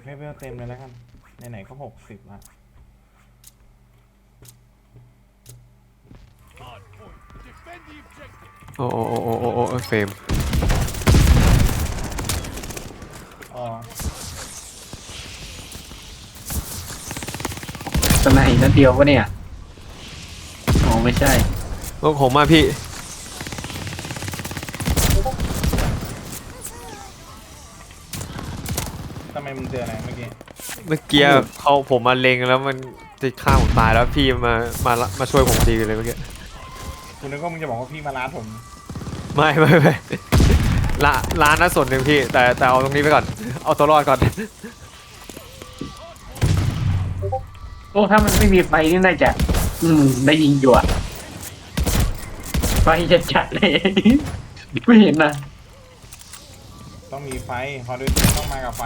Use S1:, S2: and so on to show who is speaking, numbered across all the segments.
S1: ให้เวลเต็มเลยแล้วกันไหนๆก็60ละ
S2: โอ้โอ้โอ้โอ้โอ้โอ้เฟรม
S1: อ๋อ
S3: สไนด์นัดเดียววะเนี่ยอ๋อไม่ใช่
S2: ลูกผมมาพี่
S1: ทำไมมึงเจออะไรเมื่อกี้
S2: เขาผมมาเล็งแล้วมันจะฆ่าผมตายแล้วพี่มาช่วยผมดีเลยเมื่อกี้
S1: คุณนึกว่ามึงจะบอกว่าพี่มาล้าผม
S2: ไม่ร้านนั้นส่วนหนึ่งพี่แต่เอาตรงนี้ไปก่อนเอาตัวรอดก่อน
S3: โอ้ถ้ามันไม่มีไฟนี่น่าจะได้ยิงอยู่อะไฟจะจัดเลย ไม่เห็นนะ
S1: ต้องมีไฟคอร์ดิตี้ต้องมากับไฟ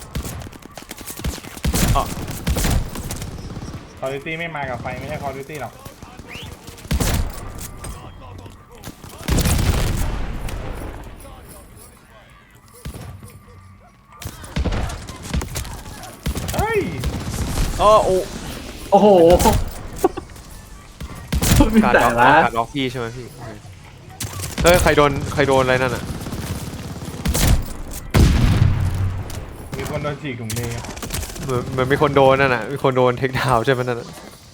S1: คอร์ดิตี้ไม่มากับไฟไม่ใช่คอร์ดิตี้หรอกเฮ้ย
S2: โอ้
S3: โอ้โหมี
S2: การ
S3: แต่
S2: ล็อก
S3: ละ
S2: การล็อกพี่ใช่ไหมพี่โอเคเฮ้ยใครโดนอะไรนั่นอ่ะ
S1: มีคนโดนฉีกถุงมือ
S2: เหมือนมีคนโดนนั่นน่ะมีคนโดนเทคดาวน์ใช่ไหมนั่นน่ะ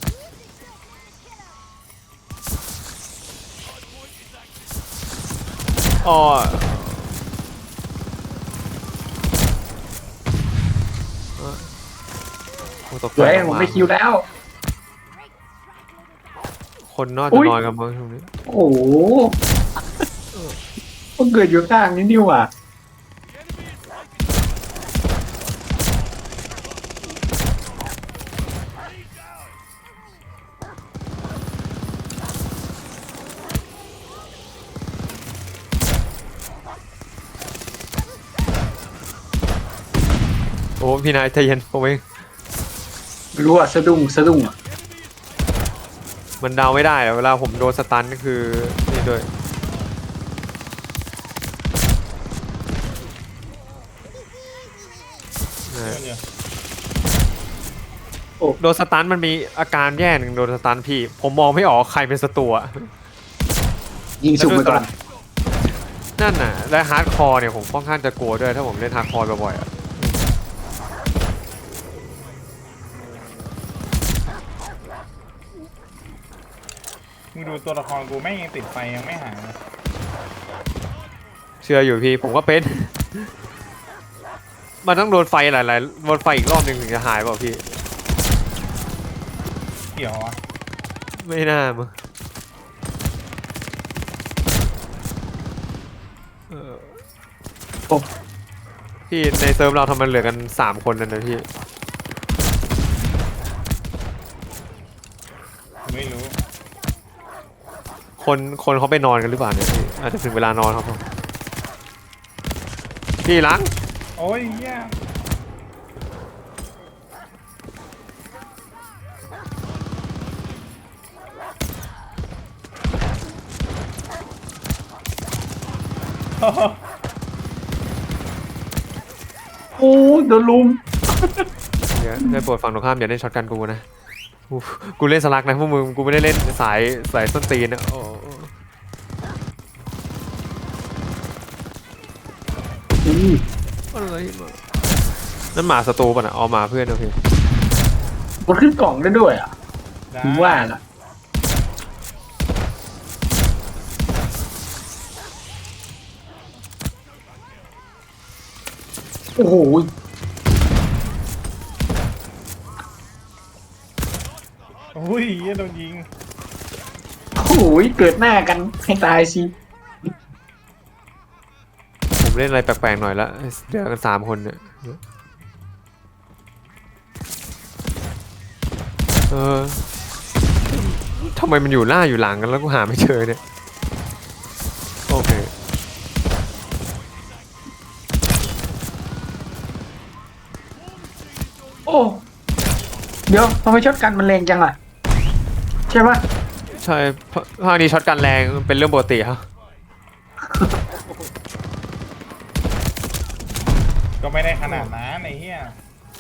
S2: อ๋อโอ้ตกใจ
S3: เฮ้ย
S2: มาก
S3: ผมไม่คิวแล้ว
S2: คนนอน
S3: อุ๊
S2: จะ
S3: ย
S2: นอนกันมั้งตรงนี้
S3: โอ้โหมันเกิดอยู่ข้างนี้นี่หว่า
S2: โอ้พี่นายใจเย็นผมเอง
S3: ไม่รู้อะสะดุ้งอะ
S2: มันเดาไม่ได้อะเวลาผมโดนสตันก็คือนี่ด้วยนะโดนสตันมันมีอาการแย่หนึ่งโดนสตันพี่ผมมองไม่ออกใครเป็นศัตรูอะ
S3: ยิงสุ่มไปก่อน
S2: นั่นน่ะและฮาร์ดคอร์เนี่ยผมค่อนข้างจะกลัวด้วยถ้าผมเล่นฮาร์ดคอร์บ่อยๆอะ
S1: มึงดูตัวละครกูแม่งยังติดไฟยังไม่หายเลย
S2: เชื่ออยู่พี่ผมก็เป็น มันต้องโดนไฟหลายๆโดนไฟอีกรอบหนึ่งถึงจะหายเปล่าพี่
S1: เกี่ยววะ
S2: ไม่น่ามั้งเออ
S3: โอ้
S2: พี่ในเซิร์ฟเราทำมันเหลือกัน3 คนนั่นนะพี่
S1: ไม่รู้
S2: คนเขาไปนอนกันหรือเปล่าเนี่ยพี่อาจจะถึงเวลานอนครับผมพี่ล้าง
S1: โอ้ยเหี้ยโอ้โห
S3: โอ้โดนลุม
S2: เดี๋ยวได้โปรดฝั่งตรงข้ามอย่าเล่นช็อตกันกูนะกูเล่นสลักนะพวกมึงกูไม่ได้เล่นสายส้นตีนนะโอ้อะไรมานั่นหมาศัตรูป่ะนะเอาหมาเพื่อนโอเค
S3: มันขึ้นกล่องได้ด้วยอ่ะ
S1: ได้
S3: ผมว่าล่ะโอ้โห
S1: โอ้ยเหี้ยโดนยิง
S3: โอ้โหเกิดหน้ากันให้ตายสิ
S2: ผมเล่นอะไรแปลกๆหน่อยละเดือกัน3 คนเนี่ยทำไมมันอยู่หน้าอยู่หลังกันแล้วกูหาไม่เจอเนี่ยโอเค
S3: โอ้เดี๋ยวทำไมช็อตกันมันแรงจังอ่ะใช่ปะ
S2: ใช่ภาคนี้ช็อตกันแรงเป็นเรื่องปกติครับ
S1: ก็ไม่ได้ขนาดนั้นไอ้เหี้ย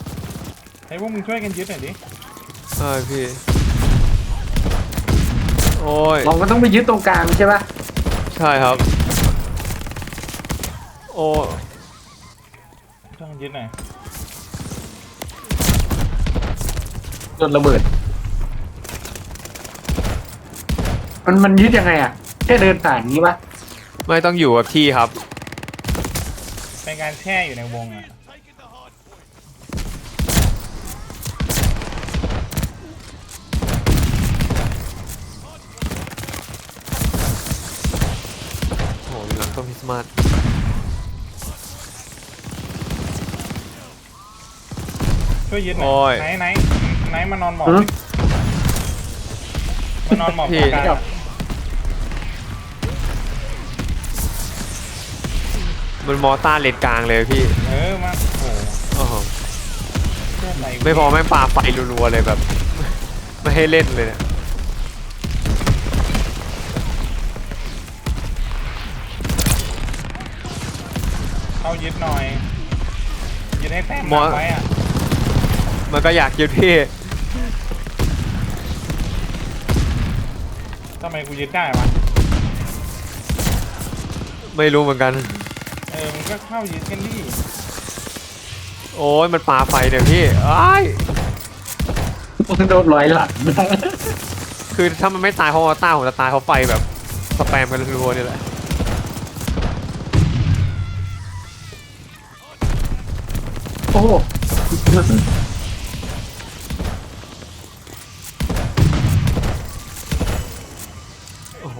S1: ให้พวกมึงช่วยกันยึดหน่อยดิ
S2: ใช่พี่ โอ้ย
S3: เราก็ต้องไปยึดตรงกลางใช่ปะ
S2: ใช่ครับ โอ้
S1: ช่วยกันยึดหน่อย
S3: โดนระเบิดมันยึดยังไงอ่ะแค่เดินผ่านนี้ปะ
S2: ไม่ต้องอยู่กับที่ครับ
S1: เป็นการแช่อยู่ในวงอ่ะ
S2: โอ้โหอยู่หลังต้นคริสต์มาส
S1: ช่วยยึดหน่
S2: โอ้
S1: อย ยไหนมานอนหมอบดิมานอนหมอบตรงกลางอะ
S2: มันมอต้าเลนกลางเลยพี่
S1: มาโอ้โห
S2: โอ้โห
S1: เชื่อใจกู
S2: ไม่พอแม่งปาไฟรัวๆเลยแบบ ไม่ให้เล่นเลยเนี่ย
S1: เข้ายึดหน่อย ยึดให้แต้ม
S2: มอ
S1: นำไว้อ่ะ
S2: มันก็อยากยึดพี่
S1: ทำไมกูยึดได้วะ
S2: ไม่รู้เหมือนกัน
S1: มึงก็เข้ายึดกันดิ
S2: โอ้ยมันปาไฟเนี่ยพี่อ้าย
S3: โดนร้อยหลัง
S2: คือถ้ามันไม่ตายเพราะมอต้าผมจะตายเพราะไฟแบบสแปมกันรัวๆนี่แหละ
S3: โอ้โห
S2: โอ้โห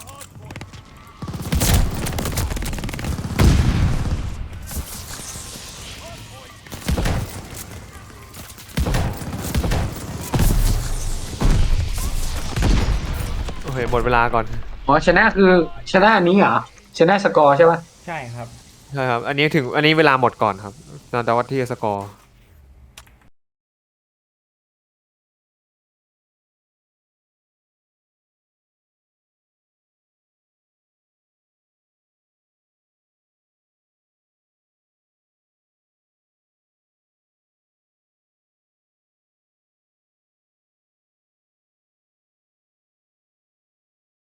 S2: โอเคหมดเวลาก่อน
S3: อ๋อชนะคือชนะอันนี้เหรอชนะสกอร์ใช่ปะ
S1: ใช่ครับ
S2: ใช่ครับ อันนี้เวลาหมดก่อนครับเราจะวัดที่สกอร์